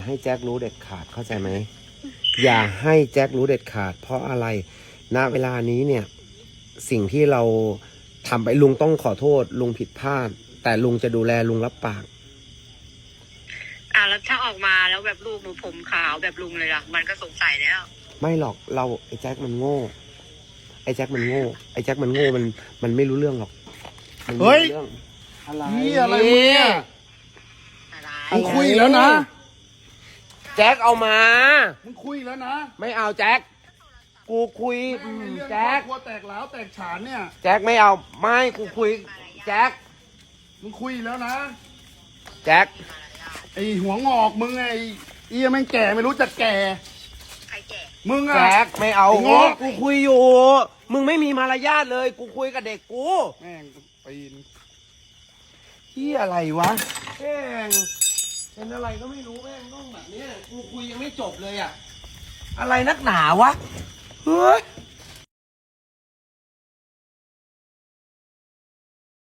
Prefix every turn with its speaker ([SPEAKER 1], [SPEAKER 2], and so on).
[SPEAKER 1] ให้แจ็ครู้เด็ดขาดเข้าใจไหมอย่าให้แจ็ครู้เด็ดขาดเพราะอะไรณเวลานี้เนี่ยสิ่งที่เราทำไปลุงต้องขอโทษลุงผิดพลาดแต่ลุงจะดูแลลุงรับปาก
[SPEAKER 2] แล้วถ้าออกมาแล้วแบบลูกหนูผมขาวแบบลุงเลยล่ะมันก็สงสัยแล้ว
[SPEAKER 1] ไม่หรอกเราไอ้แจ็คมันโง่ไอ้แจ็คมันโง่มันไม่รู้เรื่องหรอก
[SPEAKER 3] เฮ้ย
[SPEAKER 1] อะไร
[SPEAKER 3] นี่อะไรเนี่ยมึงคุยแล้วนะ
[SPEAKER 1] แจ็คเอามา
[SPEAKER 3] มึงคุยแล้วนะ
[SPEAKER 1] ไม่เอาแจ็คกูคุยแจ็ค
[SPEAKER 3] ครัวแตกแล้วแตกฉานเนี่ย
[SPEAKER 1] แจ็คไม่เอาไม่กูคุยแจ็ค
[SPEAKER 3] มึงคุยแล้วนะ
[SPEAKER 1] แจ็ค
[SPEAKER 3] ไอหัวงอกมึงไอเอี้ยแม่งแก่ไม่รู้จักแก่
[SPEAKER 2] ใครแก่
[SPEAKER 3] มึงอะ
[SPEAKER 1] แจ็คไม่เอา
[SPEAKER 3] งอก
[SPEAKER 1] กูคุยอยู่มึงไม่มีมารยาทเลยกูคุยกับเด็กกู
[SPEAKER 3] แม่งปีน
[SPEAKER 1] ที่อะไรวะแม่งเป็นอะไรก็ไม่รู้แม่งต้องแบบนี้กูคุยยังไม่จบเลยอะอะไรนักหนาวะเฮ้ย